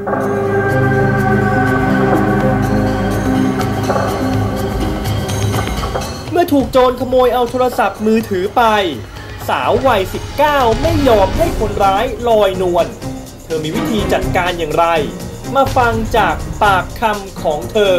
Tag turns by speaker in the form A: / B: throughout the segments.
A: เมื่อถูกโจรขโมยเอาโทรศัพท์มือถือไปสาววัย 19 ไม่ยอมให้คนร้ายลอยนวลเธอมีวิธีจัดการอย่างไรมาฟังจากปากคำของเธอ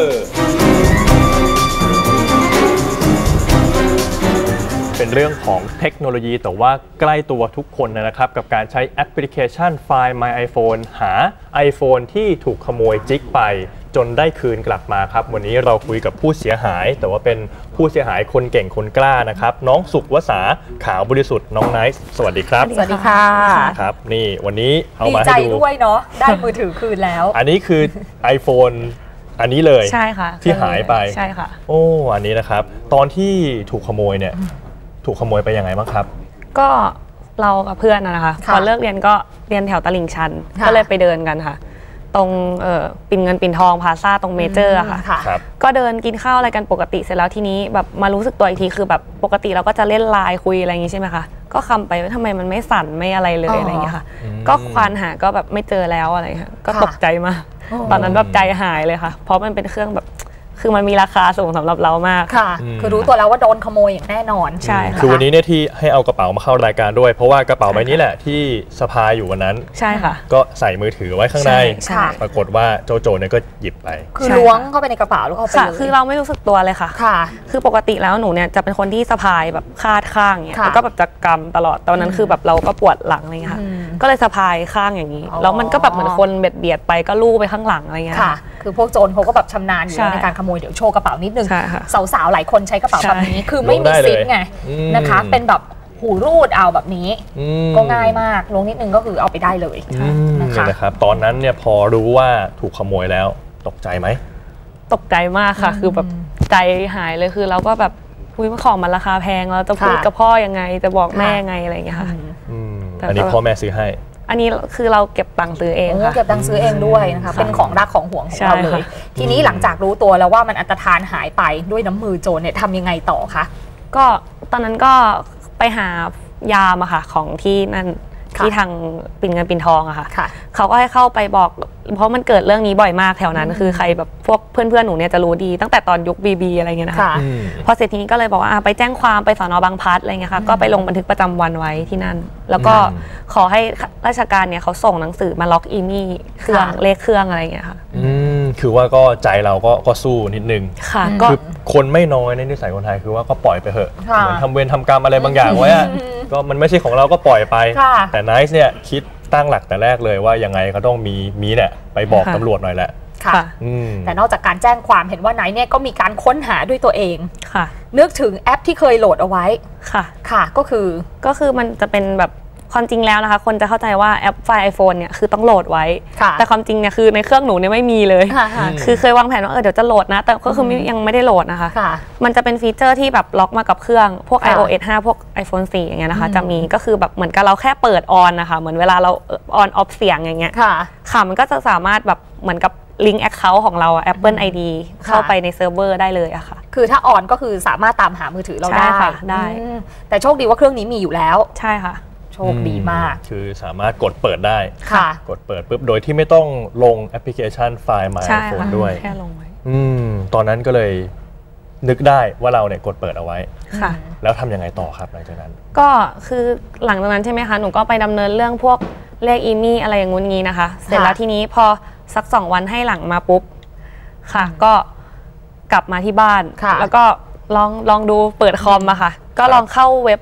A: เป็นเรื่องของเทคโนโลยีแต่ว่าใกล้ตัวทุกคนนะครับกับการใช้แอปพลิเคชัน Find My iPhone หา iPhone ที่ถูกขโมยจิกไปจนได้คืนกลับมาครับวันนี้เราคุยกับผู้เสียหายแต่ว่าเป็นผู้เสียหายคนเก่งคนกล้านะครับน้องสุขวสาขาวบริสุทธิ์น้องไนท์สวัสดีครับ
B: สวัสดีค่ะ
A: ครับนี่วันนี้เอามาให้ดู
B: ดีใจด้วยเนาะได้มือถือคืนแล้ว
A: อันนี้คือ iPhone อันนี้เลย
C: ใช่ค่ะ
A: ที่หายไป
C: ใช่ค่ะ
A: โอ้อันนี้นะครับตอนที่ถูกขโมยเนี่ยถูกขโมยไปยังไงบ้างครับ
C: ก็เรากับเพื่อนนะคะพอเลิกเรียนก็เรียนแถวตลิ่งชันก็เลยไปเดินกันค่ะตรงปิ่นเงินปิ่นทองพลาซ่าตรงเมเจอร์ค่ะก็เดินกินข้าวอะไรกันปกติเสร็จแล้วทีนี้แบบมารู้สึกตัวอีกทีคือแบบปกติเราก็จะเล่นไลน์คุยอะไรอย่างงี้ใช่ไหมคะก็คำไปว่าทำไมมันไม่สั่นไม่อะไรเลยอะไรอย่างเงี้ยค่ะก็ควานหาก็แบบไม่เจอแล้วอะไรค่ะก็ตกใจมากตอนนั้นแบบใจหายเลยค่ะเพราะมันเป็นเครื่องแบบคือมันมีราคาสูงสำหรับเรามาก
B: ค่ะคือรู้ตัวแล้วว่าโดนขโมยอย่างแน่นอน
C: ใช่ค่ะ
A: คือวันนี้เนี่ยที่ให้เอากระเป๋ามาเข้ารายการด้วยเพราะว่ากระเป๋าใบนี้แหละที่สะพายอยู่วันนั้น
C: ใช่ค่ะ
A: ก็ใส่มือถือไว้ข้างในปรากฏว่าโจเนี่ยก็หยิบไป
B: คือล้วงเข้าไปในกระเป๋าแล้วเอาไปเลย
C: คือเราไม่รู้สึกตัวเลยค่ะคือปกติแล้วหนูเนี่ยจะเป็นคนที่สะพายแบบคาดข้างเนี่ยแล้วก็แบบจะกำตลอดตอนนั้นคือแบบเราก็ปวดหลังอะไรเงี้ยค่ะก็เลยสะพายข้างอย่างนี้แล้วมันก็แบบเหมือนคนเบียดไปก็ลู่ไปข้างหลังอะไรเงี้ย
B: ค่ะคือพวกโจรเขาก็แบบชำนาญอยู่ในการขโมยเดี๋ยวโชว์กระเป๋านิดนึงสาวๆหลายคนใช้กระเป๋าแบบนี้คือไม่มีซิปไงนะคะเป็นแบบหูรูดเอาแบบนี้ก็ง่ายมากลงนิดนึงก็คือเอาไปได้เลย
A: นะครับตอนนั้นเนี่ยพอรู้ว่าถูกขโมยแล้วตกใจไหม
C: ตกใจมากค่ะคือแบบใจหายเลยคือเราก็แบบคุยว่าของมันราคาแพงเราจะพูดกับพ่อยังไงจะบอกแม่ยังไงอะไรอย่างเงี้ยค่ะ
A: อันนี้พ่อแม่ซื้อให้
C: อันนี้คือเราเก็บตังค์ซื้อเองค่ะ
B: เก็บตังค์ซื้อเองด้วยนะคะเป็นของรักของห่วงของเราเลยทีนี้หลังจากรู้ตัวแล้วว่ามันอันตรธานหายไปด้วยน้ำมือโจรเนี่ยทำยังไงต่อคะ
C: ก็ตอนนั้นก็ไปหายามอะค่ะของที่นั่นที่ทางปิ่นเงินปิ่นทองอะค่ะเขาก็ให้เข้าไปบอกเพราะมันเกิดเรื่องนี้บ่อยมากแถวนั้นคือใครแบบพวกเพื่อนๆหนูเนี่ยจะรู้ดีตั้งแต่ตอนยุคBBอะไรเงี้ยนะคะพอเสร็จทีนี้ก็เลยบอกว่าไปแจ้งความไปสน.บางพลัดอะไรเงี้ยค่ะก็ไปลงบันทึกประจำวันไว้ที่นั่นแล้วก็ขอให้ราชการเนี่ยเขาส่งหนังสือมาล็อกอีมี่เครื่องเลขเครื่องอะไรเงี้ยค่ะ
A: คือว่าก็ใจเราก็สู้นิดนึง
C: ค่ะ
A: คือคนไม่น้อยในนิสัยคนไทยคือว่าก็ปล่อยไปเถอะเหมือนทำเวรทำกรรมอะไรบางอย่างไว้ก็มันไม่ใช่ของเราก็ปล่อยไปแต่ไนท์เนี่ยคิดตั้งหลักแต่แรกเลยว่ายังไงก็ต้องมีเนี่ยไปบอกตำรวจหน่อยแหละ
B: ค่ะแต่นอกจากการแจ้งความเห็นว่าไนท์เนี่ยก็มีการค้นหาด้วยตัวเอง
C: ค่ะ
B: นึกถึงแอปที่เคยโหลดเอาไว้ค่ะก็
C: คือมันจะเป็นแบบความจริงแล้วนะคะคนจะเข้าใจว่าแอปไฟล์ iPhone เนี่ยคือต้องโหลดไว้แต่ความจริงเนี่ยคือในเครื่องหนูเนี่ยไม่มีเลยคือเคยวางแผนว่าเดี๋ยวจะโหลดนะแต่ก็คือยังไม่ได้โหลดนะคะมันจะเป็นฟีเจอร์ที่แบบล็อกมากับเครื่องพวก iOS 5 พวก iPhone 4 อย่างเงี้ยนะคะจะมีก็คือแบบเหมือนกับเราแค่เปิดออนนะคะเหมือนเวลาเราออนออฟเสียงอย่างเงี้ยค่ะมันก็จะสามารถแบบเหมือนกับลิงก์ Account ของเรา Apple ID เข้าไปในเซิร์ฟเวอร์ได้เลยอะค่ะ
B: คือถ้าออนก็คือสามารถตามหามือถือเราได้แต่โชคดีว่าเครื่องนี้มีอยู่แล้ว
C: ใช่ค่ะ
B: โชคดีมาก
A: คือสามารถกดเปิดได้กดเปิดปุ๊บโดยที่ไม่ต้องลงแอปพลิเคชัน Find My iPhone ด้วย
C: แค่ลงไว้
A: ตอนนั้นก็เลยนึกได้ว่าเราเนี่ยกดเปิดเอาไว้ค่ะแล้วทำยังไงต่อครับหลังจากนั้น
C: ก็คือหลังจากนั้นใช่ไหมคะหนูก็ไปดำเนินเรื่องพวกเลขอีมี่อะไรอย่างงู้นงี้นะคะเสร็จแล้วทีนี้พอสัก2 วันให้หลังมาปุ๊บค่ะก็กลับมาที่บ้านแล้วก็ลองดูเปิดคอมมาค่ะก็ลองเข้าเว็บ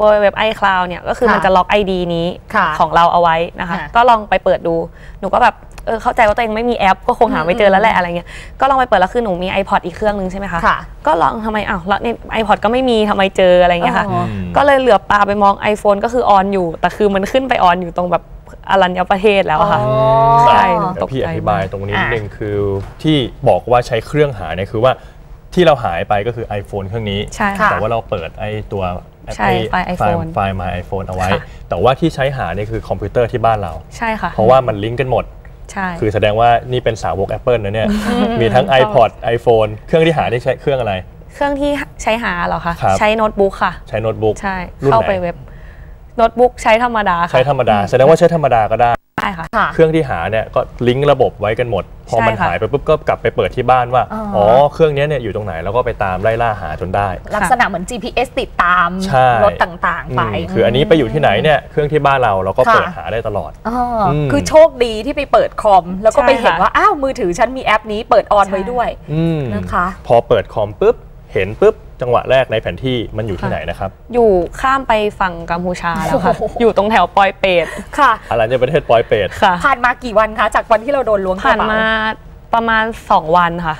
C: iCloud เนี่ยก็คือมันจะล็อก ID นี้ของเราเอาไว้นะคะก็ลองไปเปิดดูหนูก็แบบเข้าใจว่าตัวเองไม่มีแอปก็คงหาไม่เจอแล้วแหละอะไรเงี้ยก็ลองไปเปิดแล้วคือหนูมี iPod อีกเครื่องนึงใช่ไหมคะก็ลองทำไมแล้วใน iPod ก็ไม่มีทำไมเจออะไรเงี้ยค่ะก็เลยเหลือบตาไปมอง iPhone ก็คือออนอยู่แต่คือมันขึ้นไปออนอยู่ตรงแบบอรัญญประเทศแล้วค่ะ
A: ใช่พี่อธิบายตรงนี้นิดนึงคือที่บอกว่าใช้เครื่องหาเนี่ยคือว่าที่เราหายไปก็คือ iPhone เครื่องนี้แต่ว่าเราเปิดไอ้ตัว
C: ไฟ
A: ล์ My iPhone เอาไว้แต่ว่าที่ใช้หาเนี่ยคือคอมพิวเตอร์ที่บ้านเรา
C: ใช่ค่ะ
A: เพราะว่ามันลิงก์กันหมดคือแสดงว่านี่เป็นสาวก Apple นะเนี่ยมีทั้ง iPod iPhone เครื่องที่หาได้ใช้เครื่องอะไร
C: เครื่องที่ใช้หาเหรอคะใช้โน้ตบุ๊กค่ะ
A: ใช้โน้ตบุ๊ก
C: ใช่เข้าไปเว็บโน้ตบุ๊กใช้ธรรมดา
A: ใช้ธรรมดาแสดงว่าใช้ธรรมดาก็ได้
C: ค่ะ
A: เครื่องที่หาเนี่ยก็ลิงก์ระบบไว้กันหมดพอมันหายไปปุ๊บก็กลับไปเปิดที่บ้านว่าอ๋อเครื่องนี้เนี่ยอยู่ตรงไหนแล้วก็ไปตามไล่ล่าหาจนได้
B: ลักษณะเหมือน GPS ติดตามรถต่างๆไป
A: คืออันนี้ไปอยู่ที่ไหนเนี่ยเครื่องที่บ้านเราก็เปิดหาได้ตลอด
B: คือโชคดีที่ไปเปิดคอมแล้วก็ไปเห็นว่าอ้าวมือถือฉันมีแอปนี้เปิดออนไว้ด้วยนะคะ
A: พอเปิดคอมปุ๊บเห็นปุ๊บจังหวะแรกในแผนที่มันอยู่ที่ไหนนะครับ
C: อยู่ข้ามไปฝั่งกัมพูชาแล้วค่ะอยู่ตรงแถวปอยเปต
B: ค่ะ
A: อะไรในประเทศปอยเปต
C: ค่ะ
B: ผ่านมากี่วันคะจากวันที่เราโดนล้วงกระเป๋า
C: ผ่านมาประมาณ2 วันค่ะ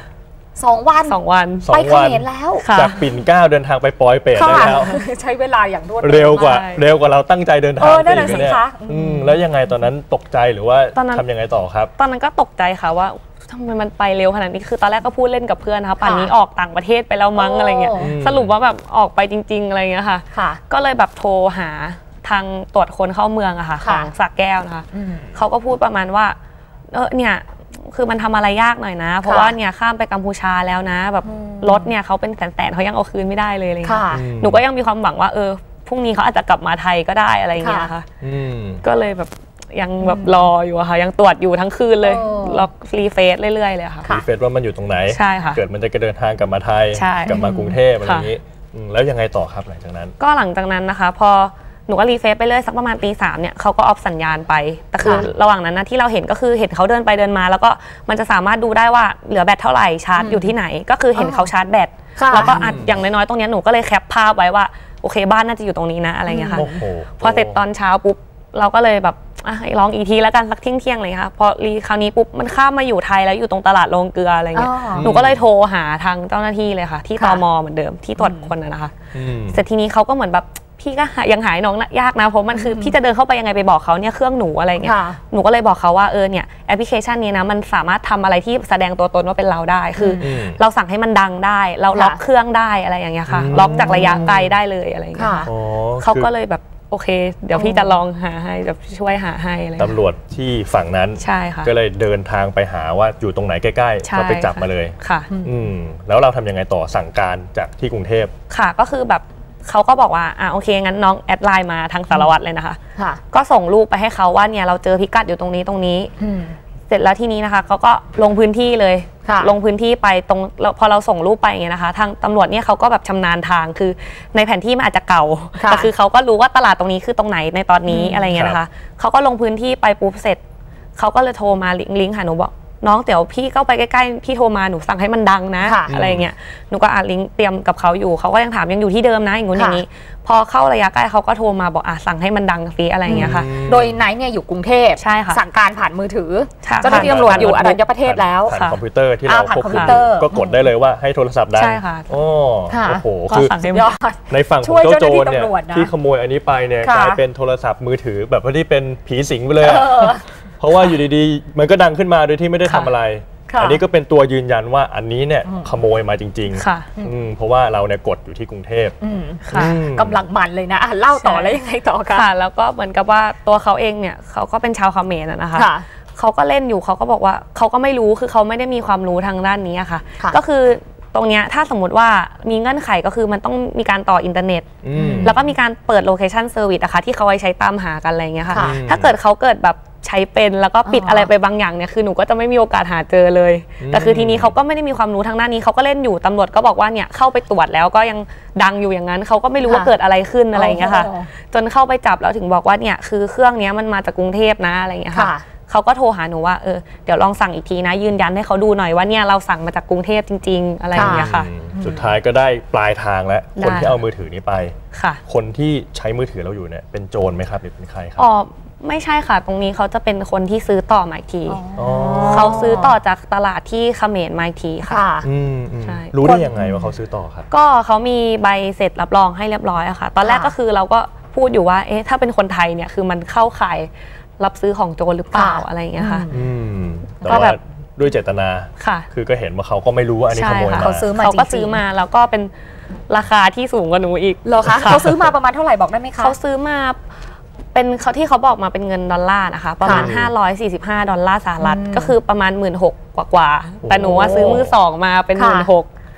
B: 2 วัน
C: 2 วัน
B: ไปเขมรแล้ว
A: จากปิ่นเกล้าเดินทางไปปอยเปตได้แล้ว
B: ใช้เวลาอย่างรวด
A: เร็วกว่าเราตั้งใจเดินทาง
B: ไปอีกเนี่ย
A: แล้วยังไงตอนนั้นตกใจหรือว่าทำยังไงต่อครับ
C: ตอนนั้นก็ตกใจค่ะว่าทำไมมันไปเร็วขนาดนี้คือตอนแรกก็พูดเล่นกับเพื่อนนะคะป่านนี้ออกต่างประเทศไปแล้วมั้งอะไรเงี้ยสรุปว่าแบบออกไปจริงๆอะไรเงี้ยค่ะก็เลยแบบโทรหาทางตรวจคนเข้าเมืองอะค่ะของสระแก้วนะคะเขาก็พูดประมาณว่าเนี่ยคือมันทำอะไรยากหน่อยนะเพราะว่าเนี่ยข้ามไปกัมพูชาแล้วนะแบบรถเนี่ยเขาเป็นแสนๆเขายังเอาคืนไม่ได้เลยอะไรเงี้ยหนูก็ยังมีความหวังว่าพรุ่งนี้เขาอาจจะกลับมาไทยก็ได้อะไรเงี้ยค่ะก็เลยแบบยังแบบรออยู่ค่ะยังตรวจอยู่ทั้งคืนเลยล็อกรีเฟซเรื่อยๆเลยค่ะ
A: รีเฟซว่ามันอยู่ตรงไหน
C: ใช่ค่ะ
A: เกิดมันจะเดินทางกลับมาไทยกลับมากรุงเทพอะไรอย่างนี้แล้วยังไงต่อครับหลังจากนั้น
C: ก็หลังจากนั้นนะคะพอหนูก็รีเฟซไปเรื่อยสักประมาณตี 3เนี่ยเขาก็ออฟสัญญาณไปแต่คือระหว่างนั้นนะที่เราเห็นก็คือเห็นเขาเดินไปเดินมาแล้วก็มันจะสามารถดูได้ว่าเหลือแบตเท่าไหร่ชาร์จอยู่ที่ไหนก็คือเห็นเขาชาร์จแบตแล้วก็อัดอย่างน้อยๆตรงนี้หนูก็เลยแคปภาพไว้ว่าโอเคบ้านน่าจะอยู่ตรงนี้นะอะไรเงี้ยค่ะพอเสร็จตอนเช้าปุ๊บเราก็เลยแบบลองอีกทีแล้วกันสักเที่ยงเลยค่ะพอคราวนี้ปุ๊บมันข้ามมาอยู่ไทยแล้วอยู่ตรงตลาดโรงเกลืออะไรเงี้ยหนูก็เลยโทรหาทางเจ้าหน้าที่เลยค่ะที่ตม.เหมือนเดิมที่ตรวจคนนะคะเสร็จทีนี้เขาก็เหมือนแบบพี่ก็ยังหายน้องยากนะเพราะมันคือพี่จะเดินเข้าไปยังไงไปบอกเขาเนี่ยเครื่องหนูอะไรเงี้ยหนูก็เลยบอกเขาว่าเนี่ยแอปพลิเคชันนี้นะมันสามารถทำอะไรที่แสดงตัวตนว่าเป็นเราได้คือเราสั่งให้มันดังได้เราล็อกเครื่องได้อะไรอย่างเงี้ยค่ะล็อกจากระยะไกลได้เลยอะไรเงี้ยเขาก็เลยแบบโอเคเดี๋ยวพี่จะลองหาให้แบบช่วยหาให้อะไร
A: ตำรวจที่ฝั่งนั้น
C: ใช่ค่ะ
A: ก็เลยเดินทางไปหาว่าอยู่ตรงไหนใกล้ๆก็ไปจับมาเลย
C: ค่ะ
A: แล้วเราทำยังไงต่อสั่งการจากที่กรุงเทพ
C: ค่ะก็คือแบบเขาก็บอกว่าโอเคงั้นน้องแอดไลน์มาทางสารวัตรเลยนะคะก็ส่งรูปไปให้เขาว่าเนี่ยเราเจอพิกัดอยู่ตรงนี้เสร็จแล้วทีนี้นะคะเขาก็ลงพื้นที่เลยลงพื้นที่ไปตรงพอเราส่งรูปไปอย่างเงี้ยนะคะทางตำรวจเนี่ยเขาก็แบบชำนาญทางคือในแผนที่มันอาจจะเก่าแต่คือเขาก็รู้ว่าตลาดตรงนี้คือตรงไหนในตอนนี้อะไรเงี้ยนะคะเขาก็ลงพื้นที่ไปปุ๊บเสร็จเขาก็เลยโทรมาลิงก์หาหนูบอกน้องเดี๋ยวพี่เข้าไปใกล้ๆพี่โทรมาหนูสั่งให้มันดังนะอะไรเงี้ยหนูก็ลิงก์เตรียมกับเขาอยู่เขาก็ยังถามยังอยู่ที่เดิมนะอย่างงู้นอย่างนี้พอเข้าระยะใกล้เขาก็โทรมาบอกสั่งให้มันดังสิอะไรเงี้ยค่ะ
B: โดยไนท์เนี่ยอยู่กรุงเทพ
C: ใช่ค่ะ
B: สั่งการผ่านมือถือเจ้าหน้าที่ตำรวจอยู่อรัญญประเทศแล้ว
A: ผ่านคอมพิวเตอร์ที่เราควบคุมก็กดได้เลยว่าให้โทรศัพท์ดัง
C: ใช่ค่ะ
A: โอ้โหคือในฝั่งของเจ้าโจรเนี่ยที่ขโมยอันนี้ไปเนี่ยกลายเป็นโทรศัพท์มือถือแบบที่เป็นผีสิงไปเลยเพราะว่าอยู่ดีๆมันก็ดังขึ้นมาโดยที่ไม่ได้ทำอะไรอันนี้ก็เป็นตัวยืนยันว่าอันนี้เนี่ยขโมยมาจริงๆเพราะว่าเราเนี่ยกดอยู่ที่กรุงเทพ
B: กำลังมันเลยนะเล่าต่อแล้วยังไงต่อ
C: ค่ะแล้วก็เหมือนกับว่าตัวเขาเองเนี่ยเขาก็เป็นชาวเขมรนะคะเขาก็เล่นอยู่เขาก็บอกว่าเขาก็ไม่รู้คือเขาไม่ได้มีความรู้ทางด้านนี้ค่ะก็คือตรงนี้ถ้าสมมติว่ามีเงื่อนไขก็คือมันต้องมีการต่ออินเทอร์เน็ตแล้วก็มีการเปิดโลเคชันเซอร์วิสนะคะที่เขาไว้ใช้ตามหากันอะไรเงี้ยค่ะถ้าเกิดเขาเกิดแบบใช้เป็นแล้วก็ปิดอะไรไปบางอย่างเนี่ยคือหนูก็จะไม่มีโอกาสหาเจอเลยแต่คือทีนี้เขาก็ไม่ได้มีความรู้ทางด้านนี้เขาก็เล่นอยู่ตำรวจก็บอกว่าเนี่ยเข้าไปตรวจแล้วก็ยังดังอยู่อย่างนั้นเขาก็ไม่รู้ว่าเกิดอะไรขึ้นอะไรเงี้ยค่ะจนเข้าไปจับแล้วถึงบอกว่าเนี่ยคือเครื่องนี้มันมาจากกรุงเทพนะอะไรเงี้ยค่ะเขาก็โทรหาหนูว่าเดี๋ยวลองสั่งอีกทีนะยืนยันให้เขาดูหน่อยว่าเนี่ยเราสั่งมาจากกรุงเทพจริงๆอะไรอย่างเงี้ยค่ะ
A: สุดท้ายก็ได้ปลายทางแล้วคนที่เอามือถือนี้ไปคนที่ใช้มือถือเราอยู่เนี่ยเป็นโจรไหมครับหรือเป็นใครครับ
C: ไม่ใช่ค่ะตรงนี้เขาจะเป็นคนที่ซื้อต่อมาอีกทีเขาซื้อต่อจากตลาดที่เขมรมาอีกทีค่ะ
A: ใช่รู้ได้ยังไงว่าเขาซื้อต่อครับ
C: ก็เขามีใบเสร็จรับรองให้เรียบร้อยอะค่ะตอนแรกก็คือเราก็พูดอยู่ว่าถ้าเป็นคนไทยเนี่ยคือมันเข้าข่ายรับซื้อของโจรหรือเปล่าอะไรอย่างเงี้ยค่ะ
A: ก็แบบด้วยเจตนาคือก็เห็นว่าเขาก็ไม่รู้ว่าอันนี้ขโมยมา
C: เขาก็ซื้อมาแล้วก็เป็นราคาที่สูงกว่าหนูอีก
B: เหรอคะเขาซื้อมาประมาณเท่าไหร่บอกได้ไหมคะ
C: เขาซื้อมาเป็นเขาที่เขาบอกมาเป็นเงินดอลลาร์นะคะประมาณ$545ก็คือประมาณ16,000กว่าแต่หนูว่าซื้อมือ2มาเป็น16,000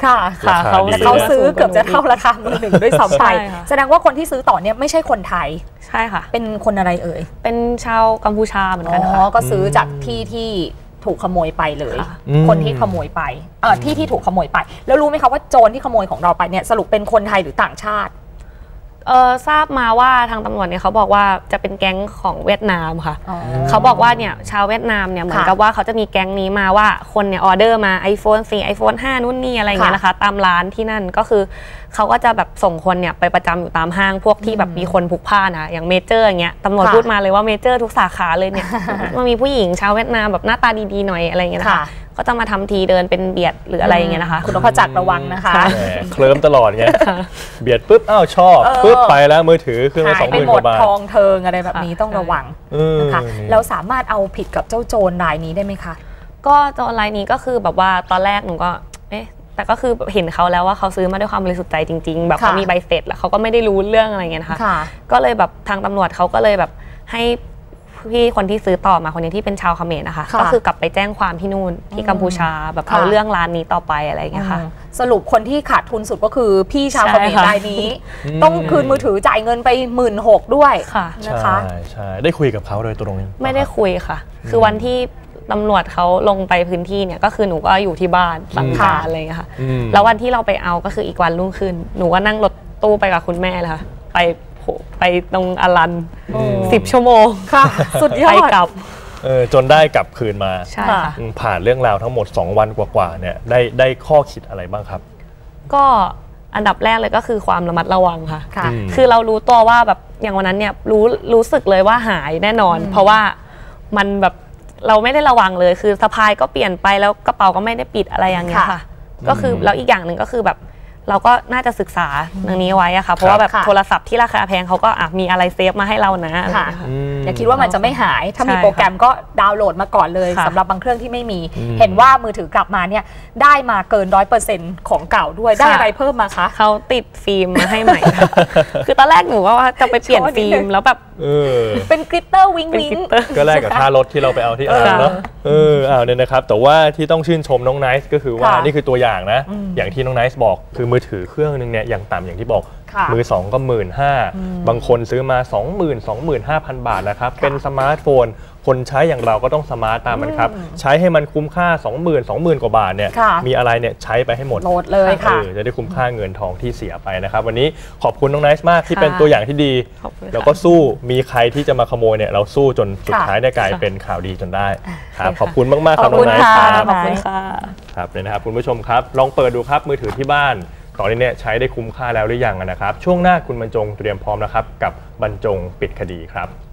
B: ค่ะเขาซื้อเกือบจะเท่าราคามือหนึ่งด้วยซ้ำไปแสดงว่าคนที่ซื้อต่อเนี่ยไม่ใช่คนไทย
C: ใช่ค่ะ
B: เป็นคนอะไรเอ่ย
C: เป็นชาวกัมพูชาเหมือนกันค่ะ
B: ก็ซื้อจากที่ถูกขโมยไปเลยคนที่ขโมยไปที่ถูกขโมยไปแล้วรู้ไหมคะว่าโจรที่ขโมยของเราไปเนี่ยสรุปเป็นคนไทยหรือต่างชาติ
C: ทราบมาว่าทางตำรวจเนี่ยเขาบอกว่าจะเป็นแก๊งของเวียดนามค่ะเขาบอกว่าเนี่ยชาวเวียดนามเนี่ยเหมือนกับว่าเขาจะมีแก๊งนี้มาว่าคนเนี่ยออเดอร์มา iPhone 4 iPhone 5นู่นนี่อะไรเงี้ยนะคะตามร้านที่นั่นก็คือเขาก็จะแบบส่งคนเนี่ยไปประจำอยู่ตามห้างพวกที่แบบมีคนพลุกพล่านนะอย่างเมเจอร์อย่างเงี้ยตำรวจพูดมาเลยว่าเมเจอร์ทุกสาขาเลยเนี่ยมันมีผู้หญิงชาวเวียดนามแบบหน้าตาดีๆหน่อยอะไรเงี้ยนะคะก็จะมาทำทีเดินเป็นเบียดหรืออะไรอย่างเงี้ยนะคะ
B: คุณนพจักรระวังนะคะ
A: เคลิ้มตลอดไงเบียดปุ๊บอ้าวชอบปุ๊บไปแล้วมือถือเครื่องละ20,000 กว่าบาท
B: ทองเทิงอะไรแบบนี้ต้องระวังนะคะแล้วสามารถเอาผิดกับเจ้าโจรรายนี้ได้ไหมคะ
C: ก็โจรรายนี้ก็คือแบบว่าตอนแรกหนูก็แต่ก็คือเห็นเขาแล้วว่าเขาซื้อมาด้วยความบริสุทธิ์ใจจริงๆแบบเขามีใบเสร็จแล้วเขาก็ไม่ได้รู้เรื่องอะไรเงี้ยนะคะก็เลยแบบทางตำรวจเขาก็เลยแบบให้พี่คนที่ซื้อต่อมาคนนี้ที่เป็นชาวเขมรนะคะก็คือกลับไปแจ้งความที่นู่นที่กัมพูชาแบบเอาเรื่องร้านนี้ต่อไปอะไรอย่างเงี้ยค่ะ
B: สรุปคนที่ขาดทุนสุดก็คือพี่ชาวเขมรรายนี้ต้องคืนมือถือจ่ายเงินไป16,000ด้วยนะคะ
A: ใช่ได้คุยกับเขาโดยตรง
C: ไม่ได้คุยค่ะคือวันที่ตำรวจเขาลงไปพื้นที่เนี่ยก็คือหนูก็อยู่ที่บ้านสังขารอะไรอย่างเงี้ยค่ะแล้ววันที่เราไปเอาก็คืออีกวันรุ่งขึ้นหนูก็นั่งรถตู้ไปกับคุณแม่เลยค่ะไปตรงอลัน10 ชั่วโมง
B: ค่ะสุดยอด
C: ไปกลับ
A: จนได้กลับคืนมา
C: ใช่ค่ะ
A: ผ่านเรื่องราวทั้งหมด2 วันกว่าๆเนี่ยได้ข้อคิดอะไรบ้างครับ
C: ก็อันดับแรกเลยก็คือความระมัดระวังค่ะคือเรารู้ตัวว่าแบบอย่างวันนั้นเนี่ยรู้สึกเลยว่าหายแน่นอนเพราะว่ามันแบบเราไม่ได้ระวังเลยคือสะพายก็เปลี่ยนไปแล้วกระเป๋าก็ไม่ได้ปิดอะไรอย่างเงี้ยค่ะก็คือแล้วอีกอย่างหนึ่งก็คือแบบเราก็น่าจะศึกษาเรื่องนี้ไว้อะค่ะเพราะว่าแบบโทรศัพท์ที่ราคาแพงเขาก็มีอะไรเซฟมาให้เรานะ
B: อย่าคิดว่ามันจะไม่หายถ้ามีโปรแกรมก็ดาวน์โหลดมาก่อนเลยสำหรับบางเครื่องที่ไม่มีเห็นว่ามือถือกลับมาเนี่ยได้มาเกิน 100% ของเก่าด้วยได้อะไรเพิ่มมาคะ
C: เขาติดฟิล์มมาให้ใหม่คือตอนแรกหนูว่าจะไปเปลี่ยนฟิล์มแล้วแบบ
B: เป็นกลิตเตอร์วิงวิง
A: ก็แลกกับค่ารถที่เราไปเอาที่เนาะเนี่ยนะครับแต่ว่าที่ต้องชื่นชมน้องไนซ์ก็คือว่านี่คือตัวอย่างนะอย่างที่น้องไนซ์บอกคือมือถือเครื่องนึงเนี่ยอย่างต่ำอย่างที่บอกมือ2ก็15,000บางคนซื้อมา 25,000 บาทนะครับเป็นสมาร์ทโฟนคนใช้อย่างเราก็ต้องสมาร์ตตามมันครับใช้ให้มันคุ้มค่า 20,000 กว่าบาทเนี่ยมีอะไรเนี่ยใช้ไปให้หมด
B: โหลดเลยค่ะ
A: จะได้คุ้มค่าเงินทองที่เสียไปนะครับวันนี้ขอบคุณน้องไนซ์มากที่เป็นตัวอย่างที่ดีแล้วก็สู้มีใครที่จะมาขโมยเนี่ยเราสู้จนสุดท้ายได้กลายเป็นข่าวดีจนได้ครับขอบคุณมากๆครับน้องไนซ์
B: ครับขอบคุณค่ะ
A: ครับเลยนะครับคุณผู้ชมครับลองเปิดดูครับมือถือที่บ้านตอนนี้เนี่ยใช้ได้คุ้มค่าแล้วหรือยังนะครับช่วงหน้าคุณบรรจงเตรียมพร้อมนะครับกับบรรจงปิดคดีครับ